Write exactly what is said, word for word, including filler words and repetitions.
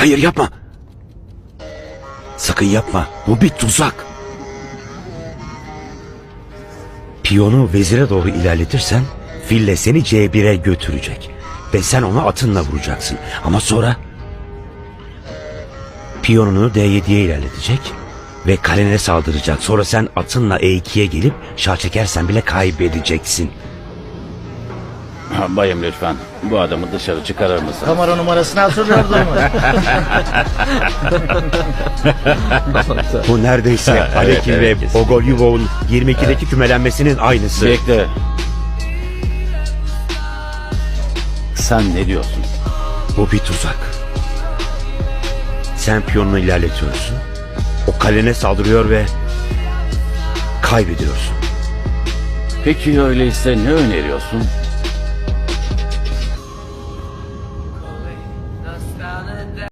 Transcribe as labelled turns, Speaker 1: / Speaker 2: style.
Speaker 1: Hayır, yapma. Sakın yapma. Bu bir tuzak. Piyonu vezire doğru ilerletirsen fille seni C bire götürecek. Ve sen onu atınla vuracaksın. Ama sonra piyonunu D yediye ilerletecek ve kalene saldıracak. Sonra sen atınla E ikiye gelip şah çekersen bile kaybedeceksin.
Speaker 2: Ha, bayım lütfen bu adamı dışarı çıkarır mısın?
Speaker 3: Kamera numarasını hatırlıyordun mu?
Speaker 1: Bu neredeyse Alekin
Speaker 2: evet,
Speaker 1: ve
Speaker 2: kesin.
Speaker 1: Bogolyubov'un yirmi ikideki kümelenmesinin aynısı.
Speaker 2: Bekle. Sen ne diyorsun?
Speaker 1: Bu bir tuzak. Sen piyonunu ilerletiyorsun. O kalene saldırıyor ve kaybediyorsun.
Speaker 2: Peki öyleyse ne öneriyorsun?